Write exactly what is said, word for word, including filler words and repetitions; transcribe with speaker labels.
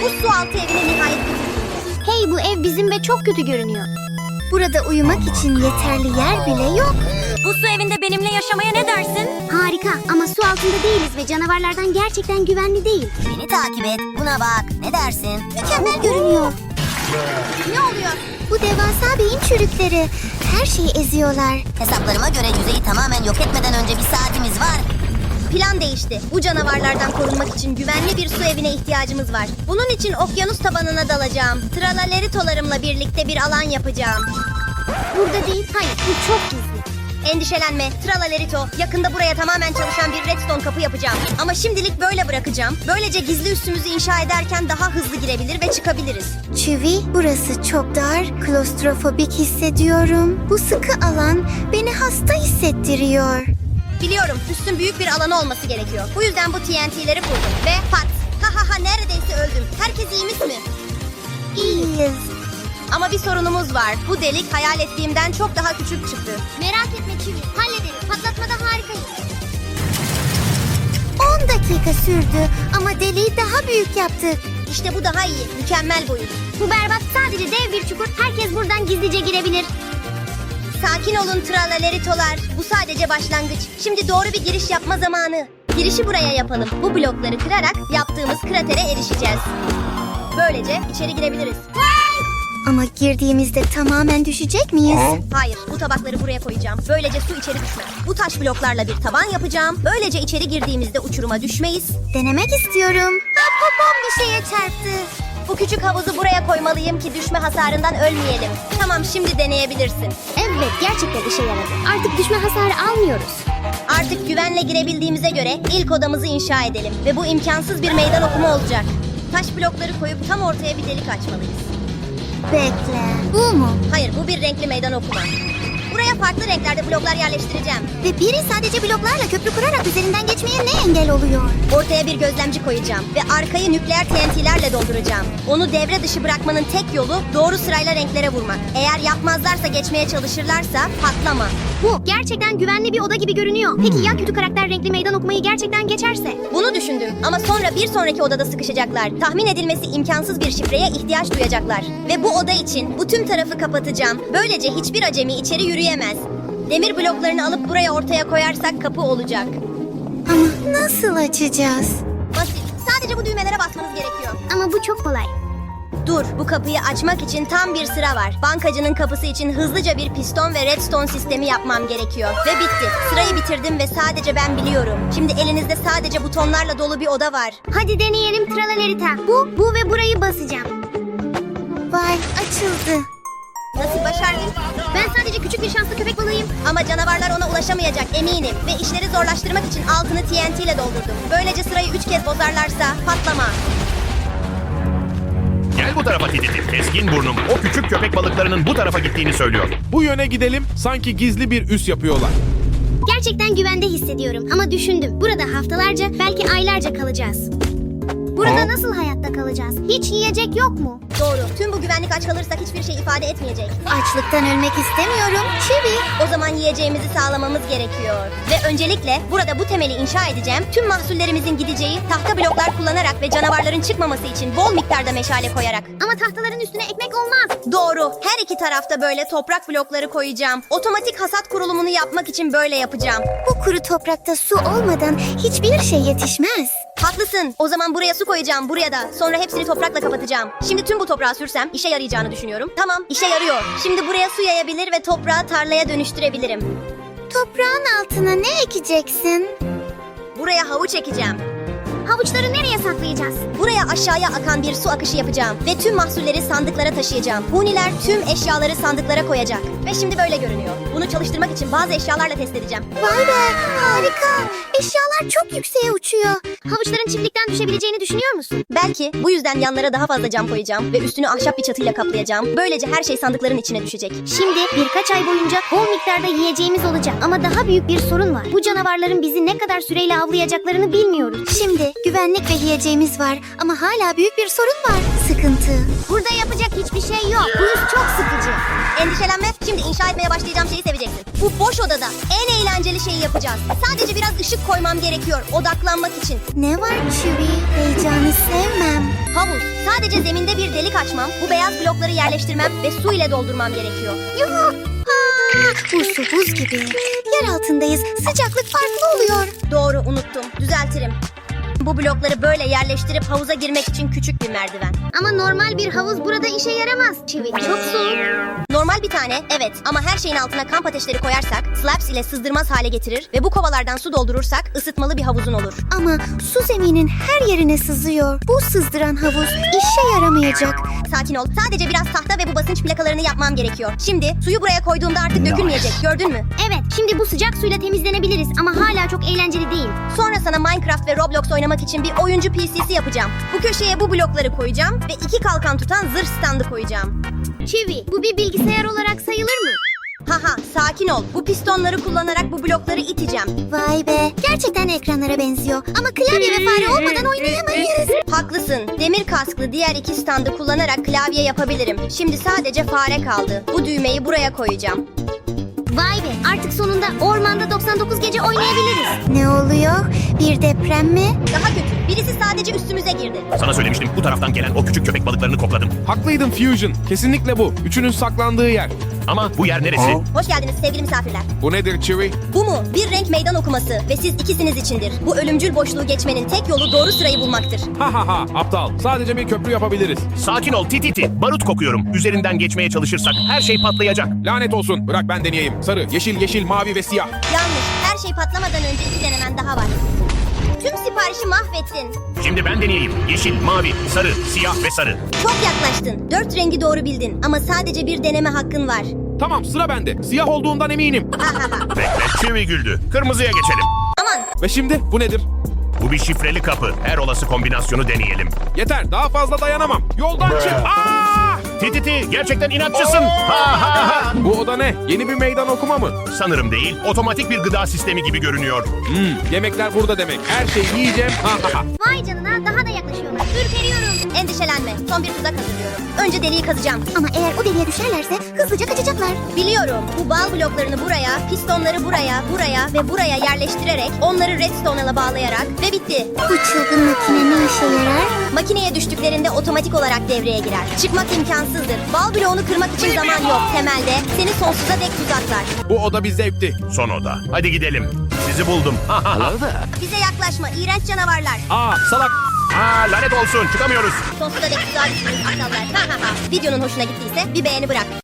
Speaker 1: Bu su altı evine nihayet gidildiğinde.
Speaker 2: Hey, bu ev bizim ve çok kötü görünüyor.
Speaker 3: Burada uyumak için yeterli yer bile yok.
Speaker 1: Bu su evinde benimle yaşamaya ne dersin?
Speaker 2: Harika ama su altında değiliz ve canavarlardan gerçekten güvenli değil.
Speaker 1: Beni takip et. Buna bak. Ne dersin?
Speaker 3: Mükemmel görünüyor.
Speaker 1: Ne oluyor?
Speaker 3: Bu devasa beyin çürükleri. Her şeyi eziyorlar.
Speaker 1: Hesaplarıma göre yüzeyi tamamen yok etmeden önce bir saatimiz var. Plan değişti. Bu canavarlardan korunmak için güvenli bir su evine ihtiyacımız var. Bunun için okyanus tabanına dalacağım. Tralaleritolarımla birlikte bir alan yapacağım.
Speaker 2: Burada değil, hayır, bu çok gizli.
Speaker 1: Endişelenme. Tralalerito, yakında buraya tamamen çalışan bir redstone kapı yapacağım. Ama şimdilik böyle bırakacağım. Böylece gizli üssümüzü inşa ederken daha hızlı girebilir ve çıkabiliriz.
Speaker 3: Çivi, burası çok dar, klostrofobik hissediyorum. Bu sıkı alan beni hasta hissettiriyor.
Speaker 1: Biliyorum, üstün büyük bir alanı olması gerekiyor. Bu yüzden bu T N T'leri kurdum. Ve pat! Ha ha ha, neredeyse öldüm. Herkes iyi mi?
Speaker 3: İyiyiz.
Speaker 1: Ama bir sorunumuz var. Bu delik hayal ettiğimden çok daha küçük çıktı.
Speaker 2: Merak etme Çivi, hallederiz. Patlatmada harikayız.
Speaker 3: on dakika sürdü ama deliği daha büyük yaptık.
Speaker 1: İşte bu daha iyi. Mükemmel boyut.
Speaker 2: Bu berbat, sadece dev bir çukur. Herkes buradan gizlice girebilir.
Speaker 1: Sakin olun tralaleritolar. Bu sadece başlangıç. Şimdi doğru bir giriş yapma zamanı. Girişi buraya yapalım. Bu blokları kırarak yaptığımız kratere erişeceğiz. Böylece içeri girebiliriz.
Speaker 3: Ama girdiğimizde tamamen düşecek miyiz?
Speaker 1: Hayır, bu tabakları buraya koyacağım. Böylece su içeri düşmez. Bu taş bloklarla bir taban yapacağım. Böylece içeri girdiğimizde uçuruma düşmeyiz.
Speaker 3: Denemek istiyorum. Ha, popom bir şeye çarptı.
Speaker 1: Bu küçük havuzu buraya koymalıyım ki düşme hasarından ölmeyelim. Tamam, şimdi deneyebilirsin.
Speaker 2: Evet, gerçekten işe yaradı. Artık düşme hasarı almıyoruz.
Speaker 1: Artık güvenle girebildiğimize göre ilk odamızı inşa edelim. Ve bu imkansız bir meydan okuma olacak. Taş blokları koyup tam ortaya bir delik açmalıyız.
Speaker 3: Bekle. Bu mu?
Speaker 1: Hayır, bu bir renkli meydan okuma. Buraya farklı renklerde bloklar yerleştireceğim.
Speaker 3: Ve biri sadece bloklarla köprü kurarak üzerinden geçmeye ne engel oluyor?
Speaker 1: Ortaya bir gözlemci koyacağım ve arkayı nükleer T N T'lerle dolduracağım. Onu devre dışı bırakmanın tek yolu doğru sırayla renklere vurmak. Eğer yapmazlarsa, geçmeye çalışırlarsa patlama.
Speaker 2: Bu gerçekten güvenli bir oda gibi görünüyor. Peki ya kötü karakter renkli meydan okumayı gerçekten geçerse?
Speaker 1: Bunu düşündüm ama sonra bir sonraki odada sıkışacaklar. Tahmin edilmesi imkansız bir şifreye ihtiyaç duyacaklar. Ve bu oda için bu tüm tarafı kapatacağım. Böylece hiçbir acemi içeri yürüyemez. Demir bloklarını alıp buraya ortaya koyarsak kapı olacak.
Speaker 3: Ama nasıl açacağız?
Speaker 1: Basit. Sadece bu düğmelere basmanız gerekiyor.
Speaker 2: Ama bu çok kolay.
Speaker 1: Dur, bu kapıyı açmak için tam bir sıra var. Bankacının kapısı için hızlıca bir piston ve redstone sistemi yapmam gerekiyor. Ve bitti. Sırayı bitirdim ve sadece ben biliyorum. Şimdi elinizde sadece butonlarla dolu bir oda var.
Speaker 2: Hadi deneyelim Tralalerita. Bu, bu ve burayı basacağım.
Speaker 3: Vay, açıldı.
Speaker 1: Nasıl başardın?
Speaker 2: Ben sadece küçük bir şanslı köpek balığıyım.
Speaker 1: Ama canavarlar ona ulaşamayacak eminim. Ve işleri zorlaştırmak için altını T N T ile doldurdum. Böylece sırayı üç kez bozarlarsa patlama.
Speaker 4: Gel bu tarafa Tititi. Keskin burnum o küçük köpek balıklarının bu tarafa gittiğini söylüyor.
Speaker 5: Bu yöne gidelim. Sanki gizli bir üs yapıyorlar.
Speaker 2: Gerçekten güvende hissediyorum ama düşündüm. Burada haftalarca, belki aylarca kalacağız. Burada
Speaker 5: Ha?
Speaker 2: nasıl hayatta kalacağız? Hiç yiyecek yok mu?
Speaker 1: Doğru. Tüm bu güvenlik aç kalırsak hiçbir şey ifade etmeyecek.
Speaker 3: Açlıktan ölmek istemiyorum. Çivi.
Speaker 1: O zaman yiyeceğimizi sağlamamız gerekiyor. Ve öncelikle burada bu temeli inşa edeceğim. Tüm mahsullerimizin gideceği tahta bloklar kullanarak ve canavarların çıkmaması için bol miktarda meşale koyarak.
Speaker 2: Ama tahtaların üstüne ekmek olmaz.
Speaker 1: Doğru. Her iki tarafta böyle toprak blokları koyacağım. Otomatik hasat kurulumunu yapmak için böyle yapacağım.
Speaker 3: Bu kuru toprakta su olmadan hiçbir şey yetişmez.
Speaker 1: Haklısın. O zaman buraya su koyacağım, buraya da. Sonra hepsini toprakla kapatacağım. Şimdi tüm bu toprağı sürsem işe yarayacağını düşünüyorum. Tamam, işe yarıyor. Şimdi buraya su yayabilir ve toprağı tarlaya dönüştürebilirim.
Speaker 3: Toprağın altına ne ekeceksin?
Speaker 1: Buraya havuç ekeceğim.
Speaker 2: Havuçları nereye saklayacağız?
Speaker 1: Buraya aşağıya akan bir su akışı yapacağım. Ve tüm mahsulleri sandıklara taşıyacağım. Huniler tüm eşyaları sandıklara koyacak. Ve şimdi böyle görünüyor. Bunu çalıştırmak için bazı eşyalarla test edeceğim.
Speaker 3: Vay be, harika. Eşyalar çok yükseğe uçuyor.
Speaker 2: Havuçların çiftlikten düşebileceğini düşünüyor musun?
Speaker 1: Belki bu yüzden yanlara daha fazla cam koyacağım. Ve üstünü ahşap bir çatıyla kaplayacağım. Böylece her şey sandıkların içine düşecek.
Speaker 2: Şimdi birkaç ay boyunca bol miktarda yiyeceğimiz olacak. Ama daha büyük bir sorun var. Bu canavarların bizi ne kadar süreyle avlayacaklarını bilmiyoruz.
Speaker 3: Şimdi güvenlik ve yiyeceğimiz var ama hala büyük bir sorun var. Sıkıntı.
Speaker 2: Burada yapacak hiçbir şey yok. Bu iş çok sıkıcı.
Speaker 1: Endişelenme, şimdi inşa etmeye başlayacağım şeyi seveceksin. Bu boş odada en eğlenceli şeyi yapacağız. Sadece biraz ışık koymam gerekiyor odaklanmak için.
Speaker 3: Ne var Chewie? Heyecanı sevmem.
Speaker 1: Havuz. Sadece zeminde bir delik açmam, bu beyaz blokları yerleştirmem ve su ile doldurmam gerekiyor.
Speaker 3: Yuh! Aa, bu su buz gibi. Yer altındayız. Sıcaklık farklı oluyor.
Speaker 1: Doğru, unuttum. Düzeltirim. Bu blokları böyle yerleştirip havuza girmek için küçük bir merdiven.
Speaker 2: Ama normal bir havuz burada işe yaramaz. Çivi çok soğuk.
Speaker 1: Normal bir tane, evet, ama her şeyin altına kamp ateşleri koyarsak, slabs ile sızdırmaz hale getirir ve bu kovalardan su doldurursak ısıtmalı bir havuzun olur.
Speaker 3: Ama su zeminin her yerine sızıyor. Bu sızdıran havuz işe yaramayacak.
Speaker 1: Sakin ol, sadece biraz tahta ve bu basınç plakalarını yapmam gerekiyor. Şimdi suyu buraya koyduğumda artık dökülmeyecek, gördün mü?
Speaker 2: Evet, şimdi bu sıcak suyla temizlenebiliriz ama hala çok eğlenceli değil.
Speaker 1: Sonra sana Minecraft ve Roblox oynamak için bir oyuncu P C'si yapacağım. Bu köşeye bu blokları koyacağım ve iki kalkan tutan zırh standı koyacağım.
Speaker 2: Çivi, bu bir bilgisayar olarak sayılır mı?
Speaker 1: Haha, sakin ol. Bu pistonları kullanarak bu blokları iteceğim.
Speaker 3: Vay be. Gerçekten ekranlara benziyor. Ama klavye ve fare olmadan oynayamayız.
Speaker 1: Haklısın. Demir kasklı diğer iki standı kullanarak klavye yapabilirim. Şimdi sadece fare kaldı. Bu düğmeyi buraya koyacağım.
Speaker 2: Vay be, artık sonunda ormanda doksan dokuz gece oynayabiliriz.
Speaker 3: Ne oluyor? Bir deprem mi?
Speaker 1: Daha kötü. Birisi sadece üstümüze girdi.
Speaker 4: Sana söylemiştim, bu taraftan gelen o küçük köpek balıklarını kokladım.
Speaker 5: Haklıydın Fusion. Kesinlikle bu. Üçünün saklandığı yer.
Speaker 4: Ama bu yer neresi?
Speaker 1: Hoş geldiniz sevgili misafirler.
Speaker 5: Bu nedir Chewie?
Speaker 1: Bu mu? Bir renk meydan okuması ve siz ikisiniz içindir. Bu ölümcül boşluğu geçmenin tek yolu doğru sırayı bulmaktır.
Speaker 5: Ha ha ha aptal. Sadece bir köprü yapabiliriz.
Speaker 4: Sakin ol Tititi. Barut kokuyorum. Üzerinden geçmeye çalışırsak her şey patlayacak.
Speaker 5: Lanet olsun. Bırak ben deneyeyim. Sarı, yeşil, yeşil, mavi ve siyah.
Speaker 1: Yanlış. Her şey patlamadan önce iki denemen daha var. Tüm siparişi mahvettin.
Speaker 4: Şimdi ben deneyeyim. Yeşil, mavi, sarı, siyah ve sarı.
Speaker 1: Çok yaklaştın. Dört rengi doğru bildin ama sadece bir deneme hakkın var.
Speaker 5: Tamam sıra bende. Siyah olduğundan eminim.
Speaker 4: Bekle, Chewie güldü. Kırmızıya geçelim.
Speaker 1: Aman.
Speaker 5: Ve şimdi bu nedir?
Speaker 4: Bu bir şifreli kapı. Her olası kombinasyonu deneyelim.
Speaker 5: Yeter daha fazla dayanamam. Yoldan çık. Aa!
Speaker 4: Tititi, gerçekten inatçısın. Ha ha ha.
Speaker 5: Bu oda ne? Yeni bir meydan okuma mı?
Speaker 4: Sanırım değil. Otomatik bir gıda sistemi gibi görünüyor.
Speaker 5: Hmm, yemekler burada demek. Her şeyi yiyeceğim. Ha ha ha.
Speaker 2: Vay canına, daha da yaklaşıyorlar. Ürperiyorum.
Speaker 1: Endişelenme. Son bir tuzak hazırlıyorum. Önce deliği kazacağım.
Speaker 3: Ama eğer o deliğe düşerlerse hızlıca kaçacaklar.
Speaker 1: Biliyorum. Bu bal bloklarını buraya, pistonları buraya, buraya ve buraya yerleştirerek onları redstone'a bağlayarak ve bitti.
Speaker 3: Bu çılgın makine ne işe yarar?
Speaker 1: Makineye düştüklerinde otomatik olarak devreye girer. Çıkmak imkansızdır. Bal bloğunu kırmak için zaman yok. Temelde seni sonsuza dek tuzaklar.
Speaker 5: Bu oda bir zevkti.
Speaker 4: Son oda. Hadi gidelim. Sizi buldum. Ha ha ha.
Speaker 1: Bize yaklaşma. İğrenç canavarlar.
Speaker 5: Aa salak.
Speaker 4: Aa, lanet olsun. Çıkamıyoruz.
Speaker 1: Sonsuza dek tuzağa düştünüz aptallar. Ha ha ha. Videonun hoşuna gittiyse bir beğeni bırak.